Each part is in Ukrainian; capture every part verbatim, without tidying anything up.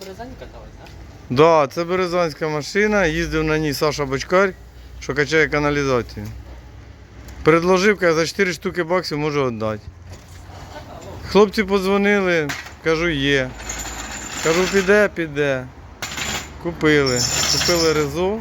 Березань каталась, так? Да, це березанська машина, їздив на ній Саша Бочкар, що качає каналізацію. Предложив, каже, за чотири штуки баксів можу віддати. Хлопці подзвонили, кажу, є. Кажу, піде, піде. Купили. Купили резо.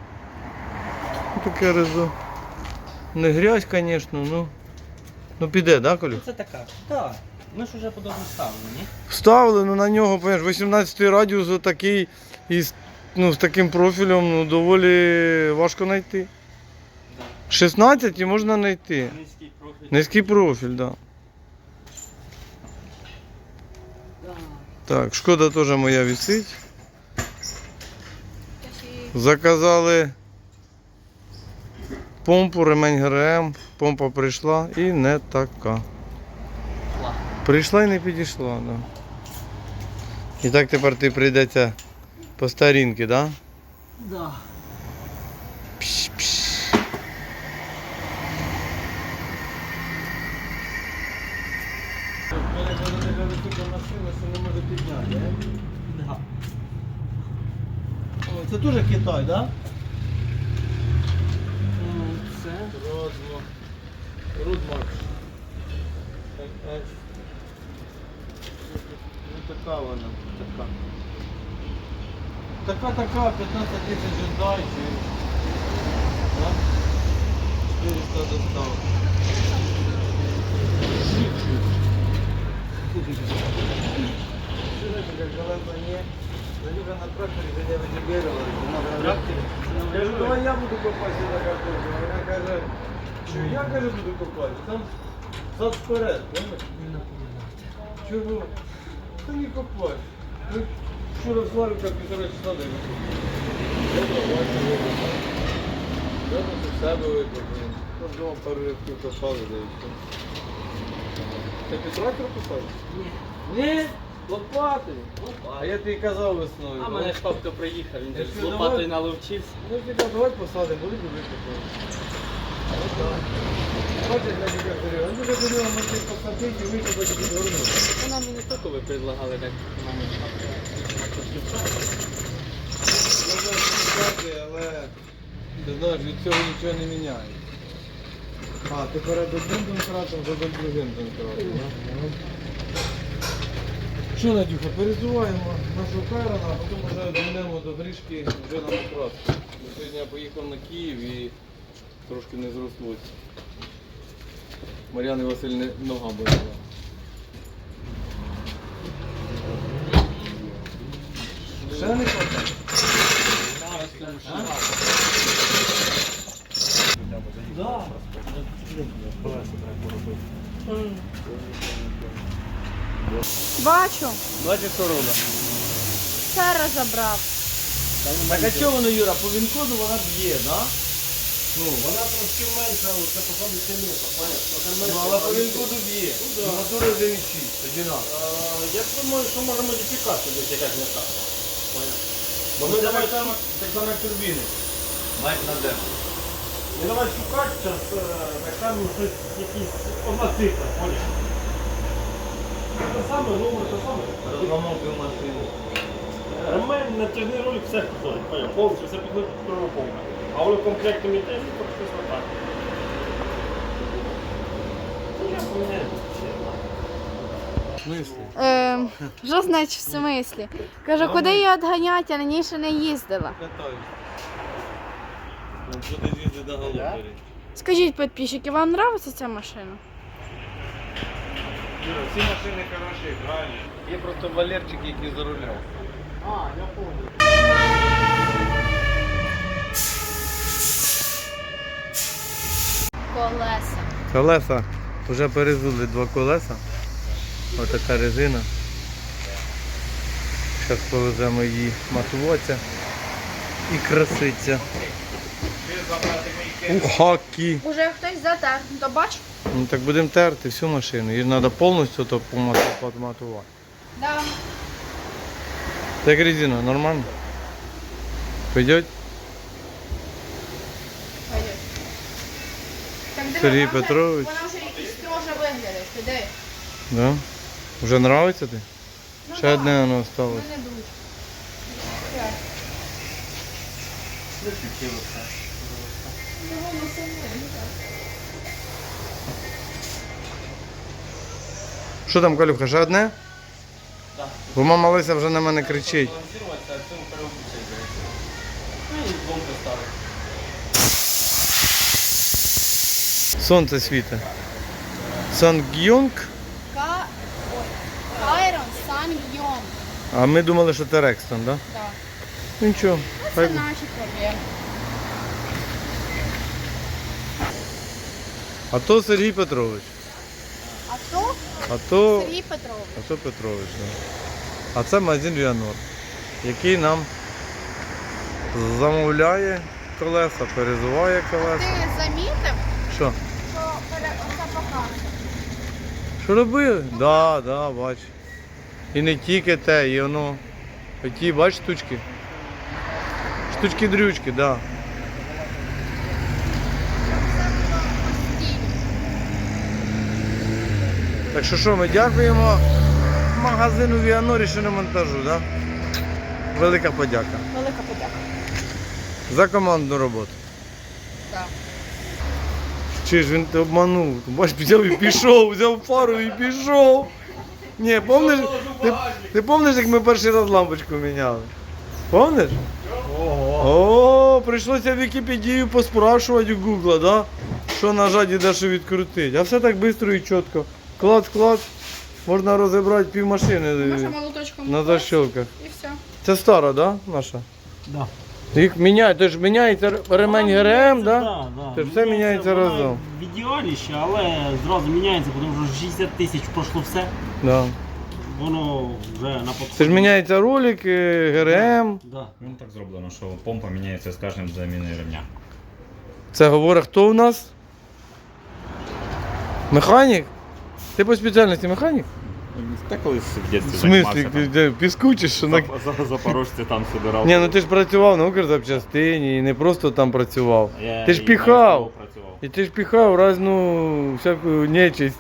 Таке резо. Не грязь, звісно, ну. Ну піде, так, да, Колю? Це така. Так. Ми ж вже подобно ставили, ні? Вставили, ну на нього, понимаєш, вісімнадцятий радіус отакий, із, ну, з таким профілем, ну, доволі важко знайти. Да. шістнадцять і можна знайти. Низький профіль. Низький профіль, так. Да. Да. Так, Шкода теж моя висить. Заказали помпу, ремень ГРМ, помпа прийшла і не така. Прийшла і не підійшла, да. І так тепер ти прийдеться по старінки, да? Да. Пш-пш. У мене коли така висока машина, що не може підняти, Да. О, це теж Китай, да? Ну, це. Родмо. Рудмакс. Ну така вона, така. Така-така, п'ятнадцять тисяч віддачі. Да? чотириста достав. Как голова не. Надюха на тракторе, где я выдергивала. Я говорю, давай я буду копать сюда картошку. Вона каже, що я, каже, буду копати. Там зад вперед, понимаєш? Чого? Та не копай. Ну, вчора Славіка півтора часа дай викопав. Я тут у себе викопав. Там вдома пару рядків копали, да і все. Ти під трактор копав? Ні. Ні, лопати. А я тобі казав весною. А мене ж хто приїхав, він Я же ж з кажу, лопатою давай. наловчився. Ну типа, давай посадимо, будуть викопати. Бачиш, я тебе говорю, він дуже говорив, може посадити і викопати під горну. Вона мені тільки ви предлагали так мамі Можна сказати, але ти знаєш, від цього нічого не міняє. А, ти перед одним донкратом, за другим донкратом. Що, Надюха, перезуваємо нашу Хайрона, а потім вже дійдемо до Гришки вже на покраску. Сьогодні я поїхав на Київ і трошки не зрослося. Мар'яни Васильівни нога боліла. Ще не хватає? Да. Бачу, Бачиш, що робить? все розібрав. Так а чого воно, Юра, по вінкоду вона б'є, да? Ну, вона трошки менша, це походу сильніша, понятно? Ну, але по вінкоду б'є. Ну, мотори один і шість, одинаково. Я думаю, що може модифікація десь якась не так. Понятно. Бо ми давай там, так само як турбіни. Майк на де. Ну давай шукати зараз, так там щось якісь одна цифра, поняв? Те саме, номер те саме. Розламовки в машині. Ремень, натяжний ролик, все підходить, поняв? Повністю все підходить під провоковка. А воно комплектом іде, і то щось отак. Ну я поміняю. В смислі? Е, що значить в смислі? Кажу, куди її відганяти, я раніше не їздила. Катаюсь. Ну, туди з'їздить до Галупері. Скажіть, підписчики, вам подобається ця машина? Юра, всі машини хороші, правильно? Є просто Валерчик, який за рулем. А, я помню. Колеса. Колеса. Вже перезули два колеса. Ось така резина. Зараз повеземо її матуватися і краситься. У хакі. Уже хтось затер, то бач? Ну так будемо терти всю машину. Її треба повністю то поматувати. Да. Так резина, нормально? Пойдет? Пойдет. Так, диви, Сергій вона вже- Петрович. Вона вже якийсь строже виглядає, ти диви. Да? Вже нравиться ти? Ну, Ще да. одне воно Ну, осталось. не дуже. Що там, Калюха, ще одне? Так. Бо мама Леся вже на мене кричить. Балансуватися, а цьому переобучай, ну і двом поставити. Сонце світить. Сангйонг, Ка... Ой. Кайрон Сан-Йон. а ми думали, що це Рекстон, так? Да? Так. Ну нічого. Це Хай... наші проблеми. А то Сергій Петрович. А то А то, Сергій Петрович. а то Петрович, да. А це магазин Віанор, який нам замовляє колеса, перезуває колеса. Ти замітив, Що? що пере... оця покажа? Що робили? Так, да, так, да, бач. І не тільки те, і воно. Ті, бач, штучки. Штучки-дрючки, так. Да. Так що що, ми дякуємо магазину Віанорі шиномонтажу, так? Да? Велика подяка Велика подяка. за командну роботу. Так. Чи ж він тебе обманув? Бач, взяв і пішов, взяв фару і пішов. Ні, помниш, ти, ти помниш, як ми перший раз лампочку міняли? Помниш? О, прийшлося в Вікіпедію поспрашувати у Гугла, да? Що нажати і де що відкрутити. А все так швидко і чітко. Клац, клац, можна розібрати півмашини Може молоточком на защелках. і все. Це стара, да, наша? Да. Їх міняють, то ж міняється ремень ГРМ, да? Да, да. Це все міняється вона разом. В ідеалі ще, але зразу міняється, тому що шістдесят тисяч пройшло все. Да. Воно вже на подході. Це ж міняється ролик, е, ГРМ. Да. Ну так зроблено, що помпа міняється з кожним заміною ремня. Це говорить хто у нас? Механік? Ти по спеціальності механік? Та колись в В дитинстві смислі, ти де, піску чи що? На... За, за Запорожці там собирав. Ні, ну ти ж працював на Укрзапчастині і не просто там працював. Я Ти ж і піхав. на СТО працював. І ти ж піхав разну всяку нечисть.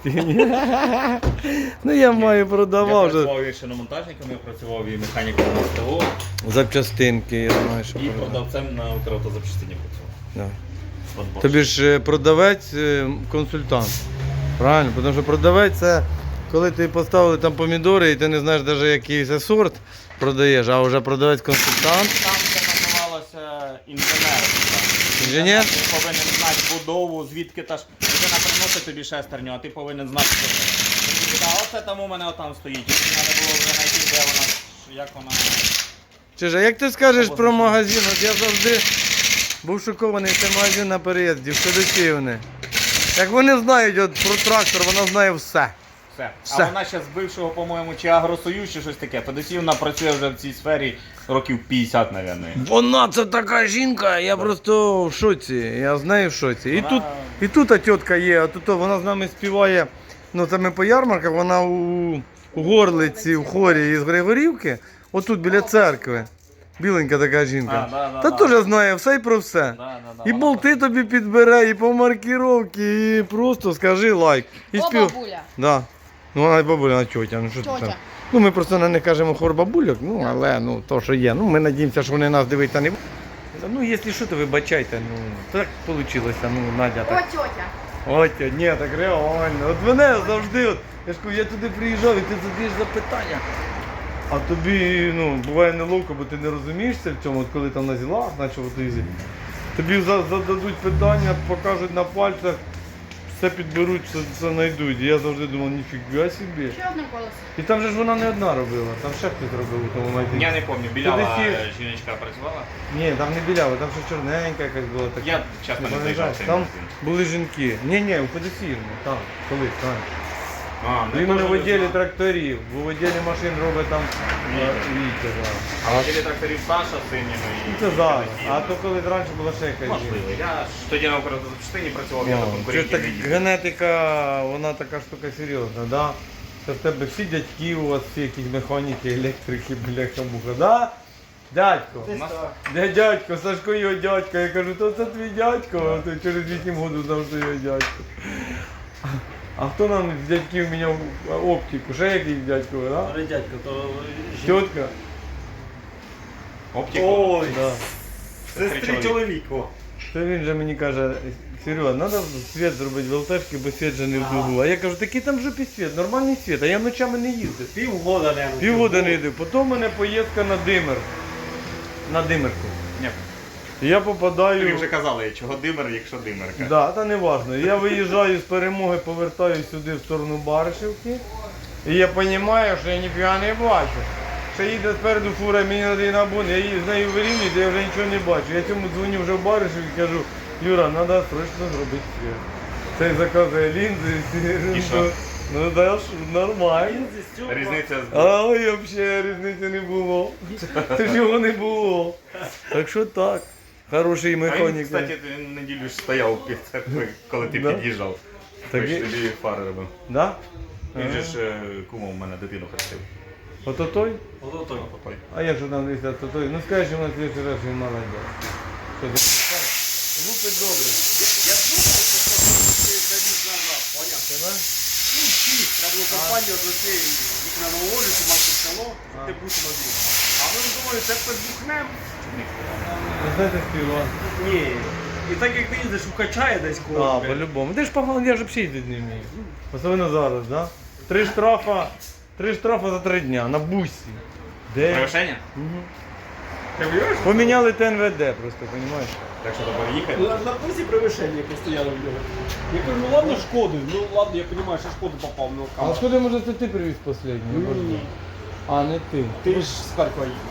Ну я маю Я продавав вже. працював і шиномонтажником, я працював і механіком на СТО, Запчастинки, я знаю, що і продав. продавцем на Укравтозапчастині працював. Да. От Bosch. Тобі ж е, продавець, е, консультант. Правильно? Тому що продавець це коли ти поставили там помідори і ти не знаєш навіть який це сорт продаєш, а вже продавець-консультант. Там це називалося інженер. Інженер? Ти повинен знати будову, звідки та ж людина приносить тобі шестерню, а ти повинен знати, що це. А оце там у мене отам стоїть. І тобі треба було вже знайти, де вона, як вона. Чиж, а як ти скажеш про магазин? От я завжди був шокований, це магазин на переїзді, в Федосіївни. Як вони знають от, про трактор, вона знає все. Все. Все. А вона ще з бившого, по-моєму, чи Агросоюз, чи щось таке. Федосіївна працює вже в цій сфері років п'ятдесят, мабуть. Вона це така жінка, я просто в шоці, я з нею в шоці. І Вона- тут, і тут та тітка є, а тут вона з нами співає, ну це ми по ярмарках, вона у, у Горлиці, в хорі із Григорівки, отут біля церкви. Біленька така жінка. А, да, да, Та да. теж знає все і про все. Да, да, да, І вона болти тобі підбере, і по маркіровці, і просто скажи лайк. І О, спів... бабуля. Да. Ну вона і бабуля, вона тьотя. Ну, що ти Тьотя. там? Ну ми просто на них кажемо хор бабульок, ну але ну то, що є. Ну ми надіємося, що вони нас дивитися не будуть. Ну, якщо що, то вибачайте, ну так вийшло, ну Надя О, так. тьотя. Ой, тьотя, ні, так реально. От мене завжди, от, я ж кажу, я туди приїжджав і ти задаєш запитання. А тобі, ну, буває неловко, бо ти не розумієшся в цьому, от коли там на зілах, наче от їздять. Тобі за- зададуть питання, покажуть на пальцях, все підберуть, все, все знайдуть. І я завжди думав, ніфіга собі. Ще одне колесо. І там же ж вона не одна робила, там ще хтось робив у тому магазині. Я не пам'ятаю, білява Федосіїв- жіночка працювала. Ні, там не білява, там ще чорненька якась була така. Я часто не заїжджав в цей Там магазин. були жінки. Ні, ні, у Федосіївні, там, колись, там. А, ну, Він я не теж в відділі знав. тракторів, бо в відділі машин робить там Ні. е, Вітя. да. А в відділі тракторів Саша Синіна і Ну, це зараз. Федосіївна. А то коли раніше була ще якась Можливо. жінка. Я ж тоді на Укрзапчастині працював, я О, на це конкурентній так, відділі. генетика, вона така штука серйозна, да? Це в тебе всі дядьки у вас, всі якісь механіки, електрики, бляха-муха, да? Дядько, У нас де дядько, Сашко його дядько. Я кажу, то це твій дядько, а то через вісім років знав, що його дядько. А хто нам з дядьків міняв оптику? Ще якийсь дядько, да? Але дядько, то жін- Тітка. Оптику. Ой, Да. сестри чоловік. О. То він же мені каже, Серега, треба світ зробити в ЛТшки, бо світ же не в клубу. А я кажу, такий там в жопі світ, нормальний світ, а я ночами не їздив. Півгода не Півгода не їздив. Потім у мене поїздка на Димир. На Димирку. Ні. І я Тобі попадаю. вже казали, чого димер, якщо димерка. Да, та не важно. Я виїжджаю з перемоги, повертаюся сюди в сторону Баришівки. І я розумію, що я ніфіга не бачу. Ще їде спереду фура, мені треба її на бун, я її з нею вирівнююся, я вже нічого не бачу. Я цьому дзвоню вже в Баришів і кажу, Юра, треба срочно зробити світ. Цей заказує лінзи, всі. І що? Ну да, ж, нормально. Різниця з... А ой, взагалі різниці не було. Це ж його не було. Так що так. Хороший А він, механік. кстати, неділю ж стояв під церквою, коли ти Да? під'їжджав. Так Так і- тобі фари робив. Да? Він же ж е, кумом у мене дитину хрестив. Ото той? Ото той. Попай. А як же там десь то той? Ну скажи, що на слідчий раз він молодець. Що ти пам'ятаєш? Лупить добре. Я думав, що ти завіз назад, поняв? Тебе? Ну, всі, треба було компанію до цієї вікна наложити, мати село, А. ти будь один. А ми думали, це підбухнем. Ви знаєте співав? Ні. І так як ти їздиш, укачає десь А, когось. по-любому. Ти ж погано, я ж взагалі їздити не вмію. Особливо зараз, да? Три штрафа, три штрафа за три дня на бусі. Де? Превишення? Мгм. Ти віриш? Поміняли ТНВД просто, розумієш? Так що треба їхати. На, на пусі превишення постояло в нього. Я кажу, ну ладно, шкоду, ну ладно, я розумію, що шкоду попав на А камеру. откуда, може, це ти привіз останній? Ні. А, не ти. Ти ж з Харкова їхав.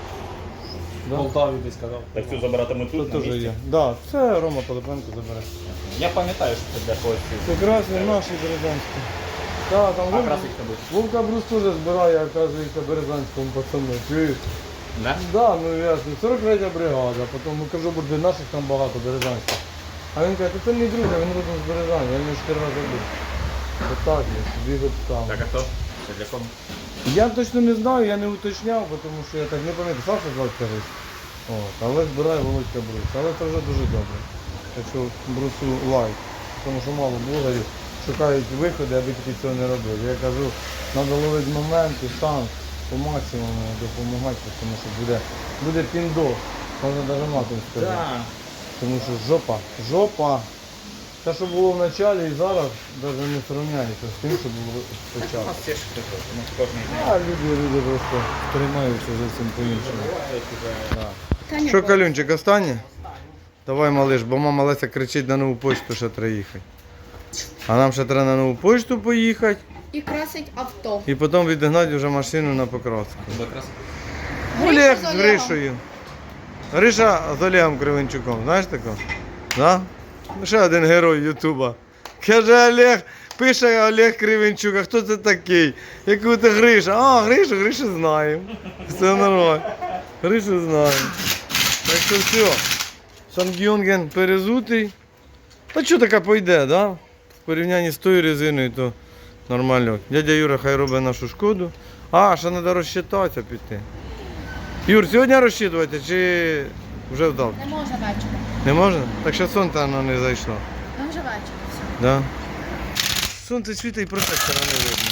В Да? Полтаві десь казав. Так цю забиратимуть Це тут, на теж місці? є. Да, це Рома Пилипенко забере. Я пам'ятаю, що це для когось. Це красний наші березанські. Так, там А Вовка, красить тебе? Вовка Брус теж збирає, оказується, березанському пацану. Чуєш? Да? Да, ну ясно. сорок третя бригада, потім ну, кажу, буде наших там багато березанських. А він каже, це не друга, він родом з Березані, я в нього чотири рази був. Отак є, собі от там. Так, а хто? Це для кого? Я точно не знаю, я не уточняв, тому що я так не пам'ятаю, Саша звати Карись. От, але збирає Володька Брус. Але це вже дуже добре. Так що Брусу лайк. Тому що мало блогерів шукають виходи, аби тільки цього не робили. Я кажу, треба ловити моменти, шанс, по максимуму допомагати, тому що буде, буде піндос. Можна навіть матом сказати. Так. Тому що жопа, жопа. Те, що було в началі і зараз, навіть не сравняється з тим, що було У спочатку. нас теж хтось, у нас кожен день. А люди, люди просто тримаються зовсім по-іншому. Бувають уже. Що, Калюнчик, останнє? Давай, малиш, бо мама Леся кричить на нову почту, що треба їхати. А нам ще треба на нову почту поїхати І красить авто. і потім відігнати вже машину на покраску. Якраз. Олег з з Олегом. Гришею. Гриша з Олегом Кривенчуком, знаєш такого? Да? Ще один герой Ютуба. Каже Олег, пише Олег Кривенчук, а хто це такий? Яку ти Гриша? А, Гришу, Гришу знаємо. Все нормально. Гришу знаємо. Так що все. Сангюнген перезутий. Та що така пойде, да? В порівнянні з тою резиною, то нормально. Дядя Юра хай робить нашу шкоду. А, ще треба розчитатися піти. Юр, сьогодні розчитувати чи вже вдав? Не може вечора. Не можна? Так ще сонце воно не зайшло. Ну вже вечір. Все. Да? Сонце світить і протектора не видно.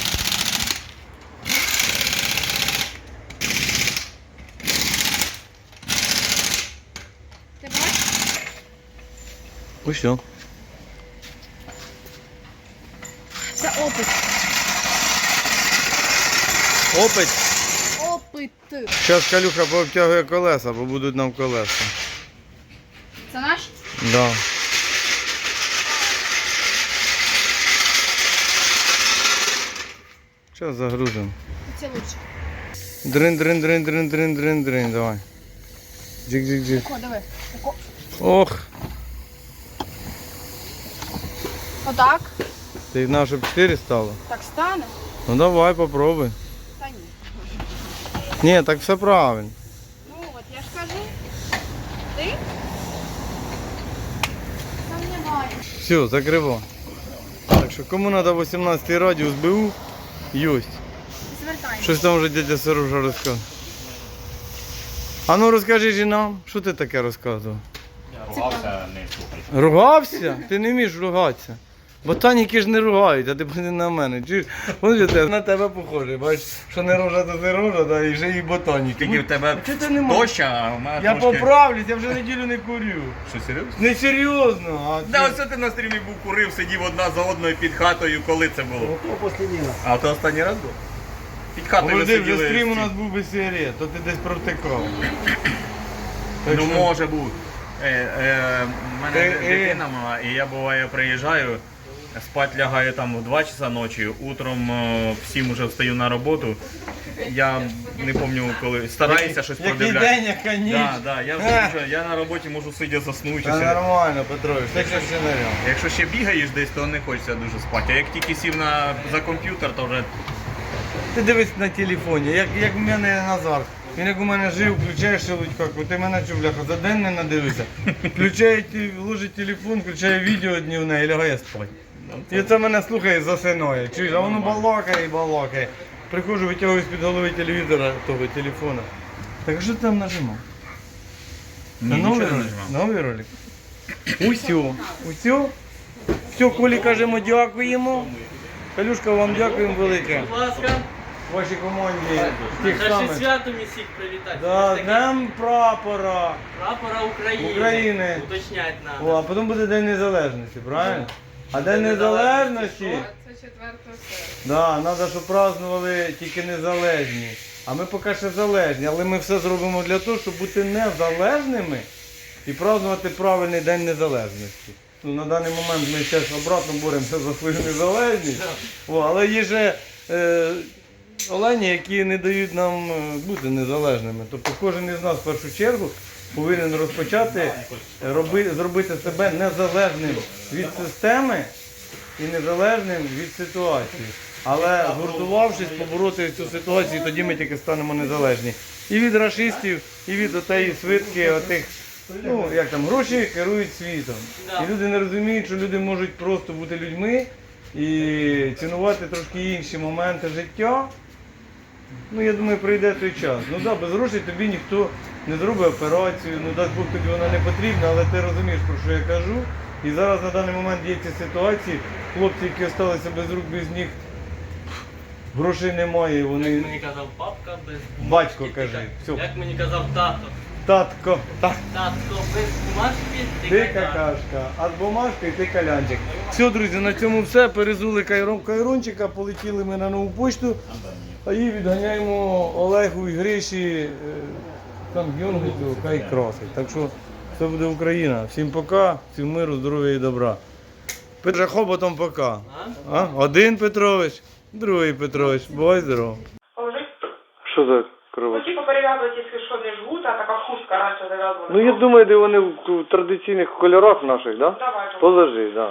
Ти бачиш? Ось все. Це опит. Опить. Опит. Зараз Калюха пообтягує колеса, бо будуть нам колеса. Це наш? Да. Зараз загрузимо. Це лучше. Дрин, дрин, дрин, дрин, дрин, дрин, дрин, давай. Джик, джик, джик. О, диви. Око. Ох, Отак. ти знав, щоб чотири стало? Так стане? Ну давай, попробуй. Та ні. Ні, так все правильно. Ну от я ж кажу. Ти? Там немає. Все, закриво. Так що кому треба вісімнадцятий радіус БУ, єсть. Звертайся. Щось там вже дядя Сережа розказав. А ну розкажи ж і нам, що ти таке розказував? Я ругався, не слухай. Ругався? Ти не вмієш ругатися. Ботаніки ж не ругають, а ти подивись на мене. Чуєш? Ось же те, на тебе похоже. Бачиш, що не рожа, то не рожа, да, і вже і ботаніки. Тільки в тебе Чого ти не можеш? доща, а в мене Я трошки... поправлюсь, я вже неділю не курю. Що, серйозно? Не серйозно, а Да, ти- оце ти на стрімі був курив, сидів одна за одною під хатою, коли це було? А то останній раз був? Під хатою ви Подожди, вже сиділи. стрім у всі. нас був без сигарет, то ти десь провтикав. Так Ну що- може бути. Е, е, в мене Е, е. дитина мала, і я буває приїжджаю, спать лягаю там в два часа ночі, утром е, в сім уже встаю на роботу. Я не пам'ятаю коли. Стараюся щось Який продивлятися. день, яка ніч. Да, да, я, Е. вже, я на роботі можу сидя заснути. Та все. нормально, Петрович, так що все нормально. Якщо ще бігаєш десь, то не хочеться дуже спати. А як тільки сів на, за комп'ютер, то вже Ти дивись на телефоні, як, як в мене Назар. Він як у мене жив, включає шелудька, ти мене чув, бляха, за день не надивився. Включає, ті- ложить телефон, включає відео днівне і лягає спати. І це мене слухає, засинає. Чуєш, а воно балакає і балакає. Приходжу, витягую з-під голови телевізора, того телефона. Так а що ти там нажимав? ні, Це новий нічого не ролик? нажимав. Новий ролик? Усьо. Усьо? Все, Колі кажемо дякуємо. Калюшка, вам дякуємо велике. Будь ласка, Вашій команді тих наше самих. свято місіх привітати. Да, Ось таке Днем прапора. Прапора України. України. Уточнять О, надо. а потім буде День Незалежності, правильно? А День Незалежності, Це четвертого серпня. да, треба, щоб празднували тільки незалежні. А ми поки ще залежні, але ми все зробимо для того, щоб бути незалежними і празднувати правильний День Незалежності. Ну, на даний момент ми зараз обратно боремося за свою незалежність. О, але є же е, олені, які не дають нам е, бути незалежними. Тобто кожен із нас в першу чергу повинен розпочати роби, зробити себе незалежним від системи і незалежним від ситуації. Але згуртувавшись, побороти цю ситуацію, тоді ми тільки станемо незалежні. І від рашистів, і від отеї свитки, отих, ну як там, гроші керують світом. І люди не розуміють, що люди можуть просто бути людьми і цінувати трошки інші моменти життя. Ну, я думаю, прийде той час. Ну так, да, без грошей тобі ніхто не зробить операцію, ну дасть Бог тобі вона не потрібна, але ти розумієш, про що я кажу. І зараз на даний момент є ці ситуації, хлопці, які залишилися без рук, без ніг, грошей немає, Як вони... мені казав папка без Батько, бумажки, кажи, ти всьо. как- Як мені казав тато. Татко, так. Татко без бумажки, ти Ти какашка. какашка, а з бумажкою ти калянчик. Все, друзі, на цьому все. Перезули кайрон кайрончика, полетіли ми на нову почту, а її відганяємо Олегу і Гриші, е, там Георгію, хай красить. Так що все буде Україна. Всім пока, всім миру, здоров'я і добра. Петра Хоботом пока. А? А? Один Петрович, другий Петрович. Бувай здоров. Положить. Що за кров? Ну, типа перев'язувати, якщо що не жгут, а така хустка раніше зав'язувала. Ну я думаю, де вони в традиційних кольорах наших, да? Давай, же. Положи, да.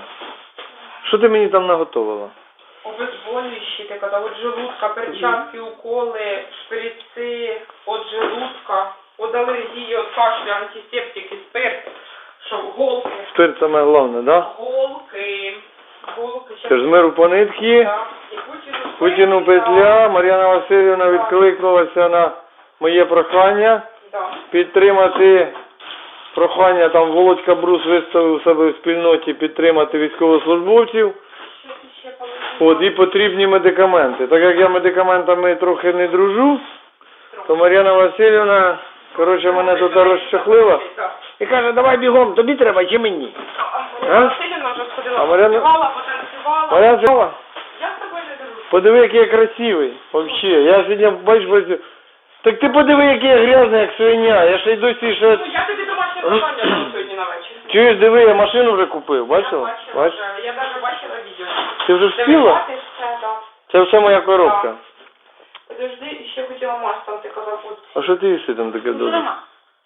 Що ти мені там наготовила? Обезболюючі, ти казав, от желудка, перчатки, уколи, шприци, от желудка, от алергії, от кашлю, антисептики, спирт, що голки, Спирт саме головне, да? голки, голки. Це ж з миру по нитки. Так. І Путіну Путіну спирт, петля. Мар'яна Васильівна відкликнулася на моє прохання да. підтримати прохання, там Володька Брус виставив у себе в спільноті підтримати військовослужбовців. Що ти ще положила? От, і потрібні медикаменти. Так як я медикаментами трохи не дружу, то Мар'яна Васильівна, коротше, мене тут розчахлила Так. і каже, давай бігом, тобі треба чи мені? А Василівна вже сходила, А Мар'яна- потанцювала, потанцювала. Мар'яна Васильівна, Я з тобою не дружу. подиви, який я красивий, вообще. Я сьогодні, бачиш, бачиш, так ти подиви, який я грязний, як свиня. Я ще й досі ще... Ну, я тобі домашнє завдання дам сьогодні на вечір. Чуєш, диви, я машину вже купив, Я бачила? бачила Бачиш? вже, я навіть бачила відео. Ти вже встигла? Дивитися все, так. Це все моя коробка. Подожди, ще хотіла мас, там ти казав, от. А що ти їси там таке добре? Нема.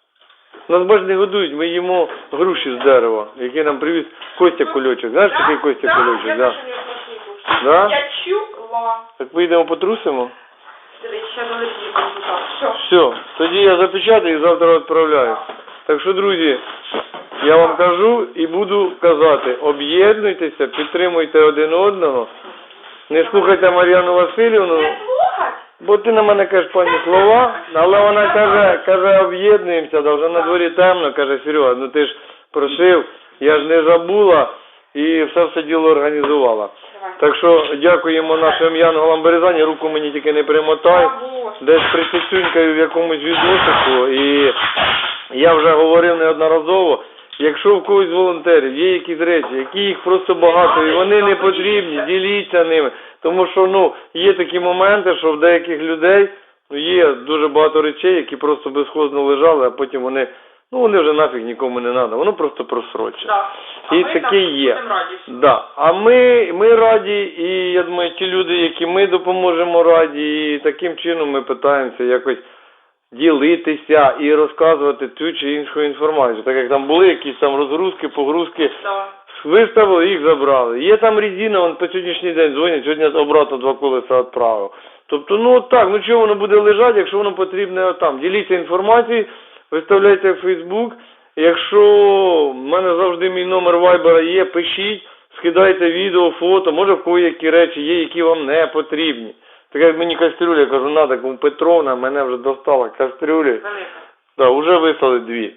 Нас бач не годують, ми їмо груші з дерева, які нам привіз Костя Кульочок. Знаєш такий Костя Да, Кульочок? я Да. теж не смачні Да? Я чула. Так поїдемо потрусимо? Дивись, ще долетіли так. Все. Все, тоді я запечатаю і завтра відправляю. Так що, друзі, я вам кажу і буду казати, об'єднуйтеся, підтримуйте один одного, не слухайте Мар'яну Васильівну, Не слухать? бо ти на мене кажеш пані слова, але вона каже, каже, об'єднуємося, да вже на дворі темно, каже, Серега, ну ти ж просив, я ж не забула, і все все діло організувала. Давай. Так що дякуємо нашим янголам Березані, руку мені тільки не примотай. Або ж. Десь присісюнькаю в якомусь відносику, і я вже говорив неодноразово, якщо в когось з волонтерів є якісь речі, які їх просто багато, і вони не потрібні, діліться ними. Тому що, ну, є такі моменти, що в деяких людей, ну, є дуже багато речей, які просто безхозно лежали, а потім вони, ну, вони вже нафіг нікому не треба, воно просто просрочено. Да. А І ми таке так є. будемо раді. Да. А ми, ми раді, і я думаю, ті люди, які ми допоможемо, раді, і таким чином ми питаємося якось ділитися і розказувати ту чи іншу інформацію. Так як там були якісь там розгрузки, погрузки, Да. виставили, їх забрали. Є там резина, вон по сьогоднішній день дзвонять, сьогодні обратно два колеса відправив. Тобто, ну от так, ну чого воно буде лежати, якщо воно потрібне там. Діліться інформацією, виставляйте в Фейсбук. Якщо в мене завжди мій номер вайбера є, пишіть, скидайте відео, фото, може в кого які речі є, які вам не потрібні. Так як мені кастрюля, я кажу, надо, кому Петровна, мене вже достала кастрюлі. Велика. Так, вже вислали дві.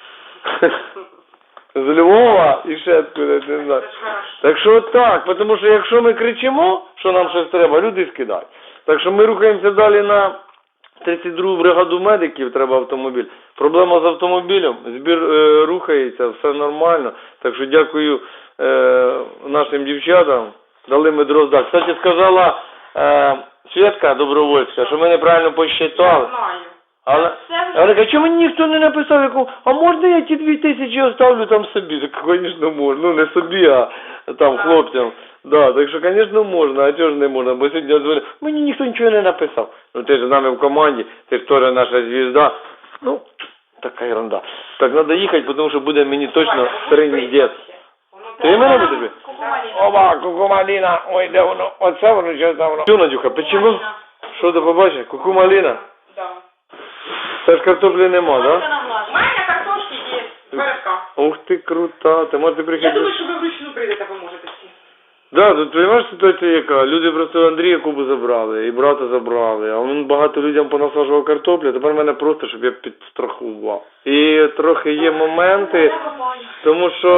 З Львова і ще откуда, не знаю. Це ж хорошо. Так що так, тому що якщо ми кричимо, що нам щось треба, люди скидають. Так що ми рухаємося далі на тридцять другу бригаду медиків, треба автомобіль. Проблема з автомобілем, збір е, рухається, все нормально. Так що дякую е, нашим дівчатам, дали ми дрозда. Кстати, сказала е, Свєтка Добровольська, що ми неправильно посчитали. Я знаю. Але, Це вже- але а чому мені ніхто не написав, яку, а можна я ті дві тисячі оставлю там собі? Так, звісно, можна. Ну, не собі, а там хлопцям. Да, так що, звісно, можна, а чого ж не можна? Бо сьогодні я дзвоню, мені ніхто нічого не написав. Ну, ти ж з нами в команді, ти ж теж наша звізда. Ну, така ерунда. Так, треба їхати, тому що буде мені точно триніздець. Ти мене будеш? Оба, кукумаліна, ой, де воно, оце воно, що там воно. Що, Надюха, печиво? Що ти побачиш? Кукумаліна? Да. Це ж картоплі нема, да? У мене картошки є. Верка. Ух ти, крута, ти можете Я приїхати. думаю, що ви вручну прийдете, поможете всі. Да, тут розумієш ситуація яка? Люди просто Андрія Кубу забрали, і брата забрали, а він багато людям понасаджував картоплю, тепер мене просто, щоб я підстрахував. І трохи є моменти, тому що,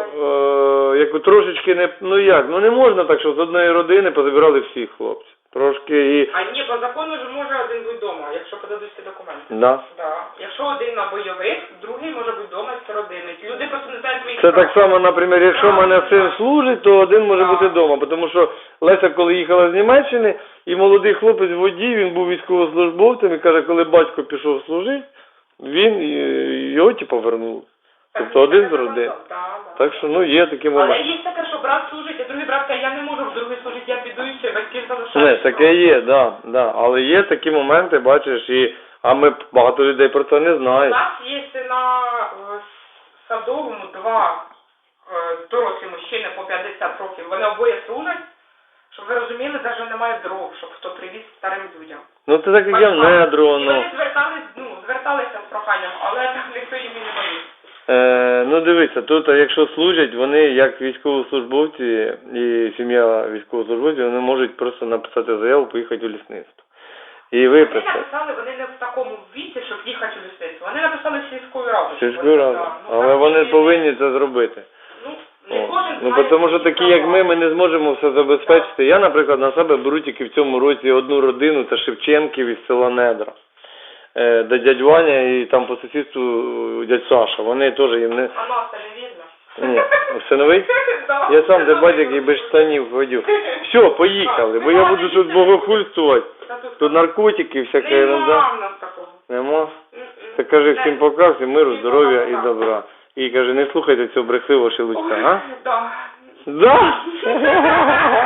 е, як трошечки не, ну як, ну не можна так, що з одної родини позабирали всіх хлопців. Трошки і... А ні, по закону ж може один бути вдома, якщо подадуть всі документи. Да. Да. Якщо один на бойових, другий може бути вдома з родини. Люди просто не знають своїх Це прав. так само, наприклад, якщо в мене син служить, то один може бути вдома, тому що Леся, коли їхала з Німеччини, і молодий хлопець водій, він був військовослужбовцем, і каже, коли батько пішов служити, він е, його типу повернув. Тобто один з родин. Да, да. Так що, ну, є такі Але моменти. є таке, що брат служить, а другий брат каже, я не можу в другий служити, я піду і все, батьків Не, залишають. таке є, да, да. Але є такі моменти, бачиш, і, а ми багато людей про це не У знають. нас є на е, Садовому два е, дорослі мужчини по п'ятдесят років. Вони обоє служать. Щоб ви розуміли, навіть немає дров, щоб хто привіз старим людям. Ну, це так, як я в недро, І ну. вони звертались, ну, зверталися з проханням, але там ніхто їм і не боїться. Е, ну дивіться, тут якщо служать, вони як військовослужбовці і сім'я військовослужбовців, вони можуть просто написати заяву, поїхати у лісництво. І Вони виписати. написали, вони не в такому віці, щоб їхати у лісництво. Вони написали сільською радою. Сільською радою. Да, ну, Але так, вони і- повинні це зробити. Ну, не О. кожен Ну, знає тому що свої такі, як права. ми, ми не зможемо все забезпечити. Я, наприклад, на себе беру тільки в цьому році одну родину, це Шевченків із села Недра. Е, де дядь Ваня і там по сусідству дядь Саша. Вони теж їм не... А нас це не видно. Ні, синовий? Да. Я сам де батько, який без штанів ходив. Все, поїхали, бо я буду тут богохульствувати. Та тут Тут наркотики, всяка ерунда. нема в нас такого. Нема? М-м. Так кажи всім пока, всім миру, здоров'я і добра. І каже, не слухайте цього брехливого шелудька, а? Да. Да?